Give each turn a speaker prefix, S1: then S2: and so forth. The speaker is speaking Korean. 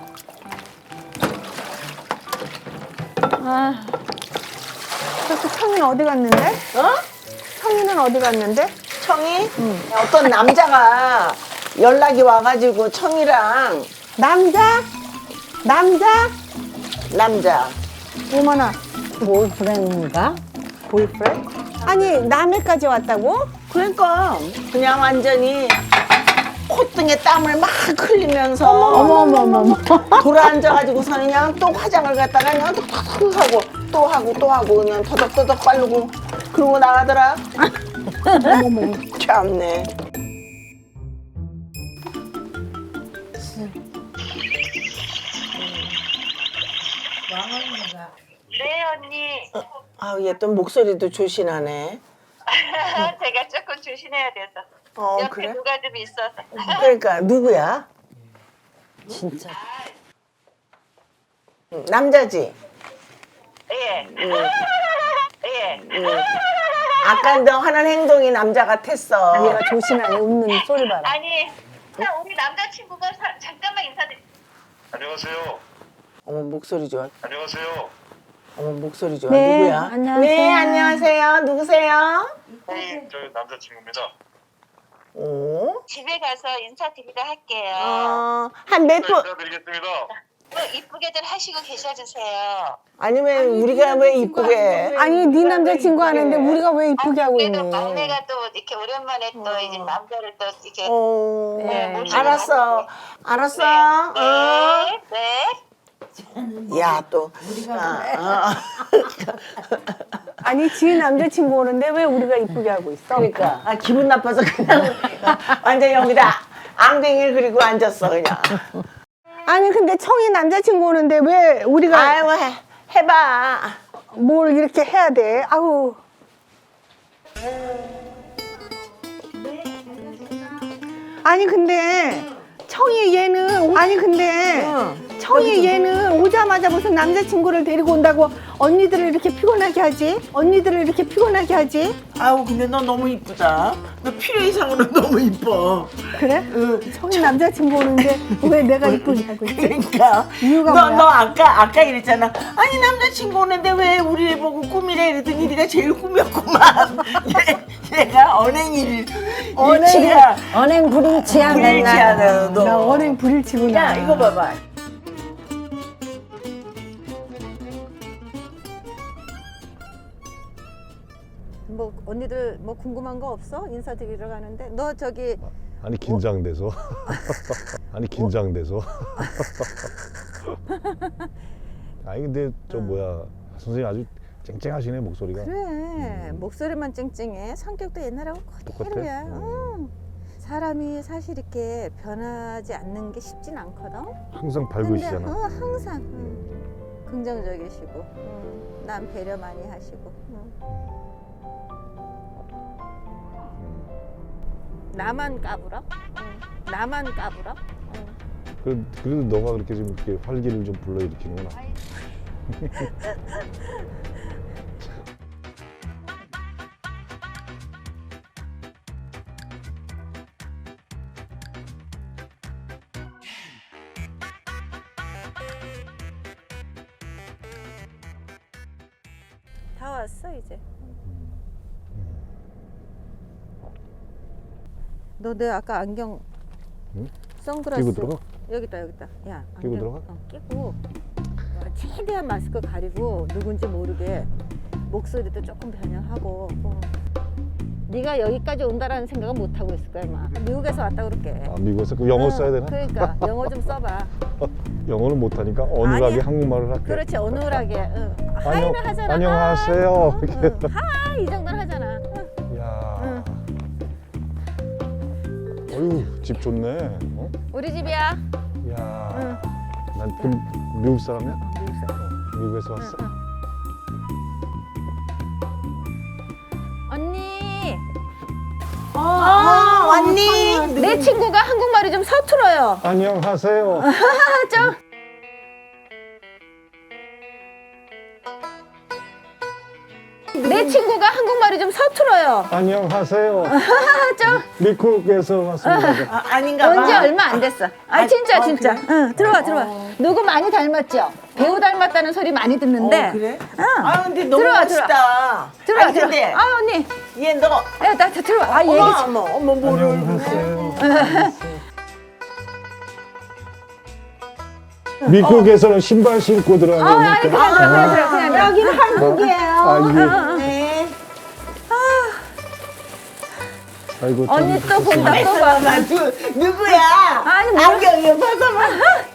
S1: 아, 그래서 청이는 어디 갔는데?
S2: 어?
S1: 청이는 어디 갔는데?
S2: 청이? 어떤 남자가 연락이 와가지고 청이랑
S1: 남자? 남자?
S2: 남자
S1: 어머나,
S3: 보이프렌드인가?
S2: 보이프렌드?
S1: 아니 남해까지 왔다고?
S2: 그러니까 그냥 완전히 콧등에 땀을 막 흘리면서
S3: 어머머머머.
S2: 돌아앉아가지고서 그냥 또 화장을 갖다가 그냥 톡톡 하고 또 하고 또 하고 그냥 터덕터덕 빨르고 그러고 나가더라. 어머머 참네.
S4: 네, 언니.
S2: 아, 얘 또 목소리도 조신하네.
S4: 제가 조금 조심해야 돼서.
S2: 어,
S4: 옆에
S2: 그래?
S4: 누가 좀 있어서.
S2: 그러니까 누구야?
S3: 진짜.
S2: 남자지?
S4: 예. 예.
S2: 아까 너 하는 행동이 남자 같았어.
S1: 얘가 조신하네. 웃는 소리 봐라.
S4: 아니, 우리 남자친구가 잠깐만 인사드릴게요.
S5: 안녕하세요.
S2: 어머 목소리 좋아.
S5: 안녕하세요.
S2: 어머 목소리 좋아.
S1: 네,
S2: 누구야?
S1: 안녕하세요.
S2: 네 안녕하세요. 누구세요?
S5: 저 남자친구입니다.
S2: 오.
S4: 집에 가서 인사드리러 할게요.
S2: 한 몇
S5: 네,
S2: 분?
S5: 인사드리겠습니다.
S4: 이쁘게들 하시고 계셔주세요.
S2: 아니면 우리가 왜 이쁘게 해?
S1: 아니 네 남자친구 하는데 우리가 왜 이쁘게 하고
S4: 그래도
S1: 있니?
S4: 막내가 또 이렇게 오랜만에 또 이제 남자를 또 이렇게.
S2: 어.
S4: 네, 모시고
S2: 알았어. 알았어.
S4: 네. 네.
S2: 야 또.
S1: 아니 지 남자친구 오는데 왜 우리가 이쁘게 하고 있어?
S2: 그러니까 아, 기분 나빠서 그냥 완전 여기다 앙댕이를 그리고 앉았어 그냥.
S1: 아니 근데 청이 남자친구 오는데 왜 우리가
S2: 아유 해봐.
S1: 뭘 이렇게 해야 돼? 아우. 아니 근데 청이 얘는 아니 근데 청이 얘는 오자마자 무슨 남자친구를 데리고 온다고 언니들을 이렇게 피곤하게 하지? 언니들을 이렇게 피곤하게 하지?
S2: 아우 근데 너 너무 이쁘다. 너 필요 이상으로 너무 이뻐.
S1: 그래? 청이 남자친구 오는데 왜 내가 이쁘게 하고 있지?
S2: 그러니까
S1: 이유가
S2: 너,
S1: 뭐야?
S2: 너 아까 이랬잖아. 아니 남자친구 오는데 왜 우리를 보고 꿈이래 이러더니 네가 제일 꿈이었구만. 얘가 언행일 일치야.
S3: 언행 불일치야
S2: 불일치하네 너.
S1: 나 언행 불일치구나.
S2: 야 이거 봐봐.
S1: 뭐 언니들 뭐 궁금한 거 없어? 인사드리러 가는데 너 저기
S6: 아니 긴장돼서 아니 긴장돼서 아니 근데 저 뭐야 선생님 아주 쨍쨍하시네 목소리가.
S1: 그래 목소리만 쨍쨍해 성격도 옛날하고 그대로야. 응. 사람이 사실 이렇게 변하지 않는 게 쉽진 않거든.
S6: 항상
S1: 근데
S6: 밝으시잖아.
S1: 항상 긍정적이시고 남 배려 많이 하시고 나만 까불어? 나만 까불어?
S6: 그래도 너가 그렇게 좀 이렇게 활기를 좀 불러일으키는구나.
S1: 다 왔어 이제. 너 내 아까 안경
S6: 응?
S1: 선글라스
S6: 끼고 들어가?
S1: 여기 있다. 야
S6: 끼고
S1: 안경
S6: 들어가?
S1: 끼고 최대한 마스크 가리고 누군지 모르게 목소리도 조금 변형하고. 네가 여기까지 온다라는 생각은 못 하고 있을 거야 아마. 미국에서 왔다 그럴게.
S6: 아 미국에서 그 영어 써야 되나?
S1: 그러니까 영어 좀 써봐.
S6: 영어는 못하니까 어눌하게
S1: 아니야.
S6: 한국말을 할게.
S1: 그렇지 어눌하게.
S6: 안녕-
S1: 하이는 하잖아.
S6: 안녕하세요.
S1: 하이 이 정도는 하잖아.
S6: 야. 어휴 집 좋네. 어?
S1: 우리 집이야.
S6: 야. 난 그럼 미국 사람이야?
S1: 미국 사람.
S6: 미국에서 왔어?
S1: 언니.
S2: 언니.
S1: 내 친구가 한국말이 좀 서툴어요.
S6: 안녕하세요.
S1: 좀.
S7: 내 친구가 한국말이 좀 서툴어요.
S6: 안녕하세요.
S7: 좀
S6: 미국에서 왔습니다.
S2: 아닌가 봐.
S7: 언제 얼마 안 됐어. 아 진짜
S2: 어,
S7: 진짜.
S2: 그래?
S7: 응 들어와 들어와. 누구 많이 닮았죠? 배우 닮았다는 소리 많이 듣는데.
S2: 그래?
S7: 응.
S2: 아 근데 너무
S7: 들어와,
S2: 멋있다.
S7: 들어와
S2: 아니,
S7: 들어와.
S2: 근데
S7: 아 언니.
S2: 얘 너.
S7: 야 나 들어와. 아 얘기 좀.
S2: 어머 뭐를
S6: 안녕하세요. 미국에서는 신발 신고
S7: 아 아니
S6: 들어가니까.
S7: 그냥
S1: 여기는 한국이에요.
S6: 아, 이게.
S2: 네.
S6: 아이고,
S7: 언니
S6: 참.
S7: 또 본다 또 봐.
S2: 누구야?
S7: 아니 뭐
S2: 안경 이거 벗어봐.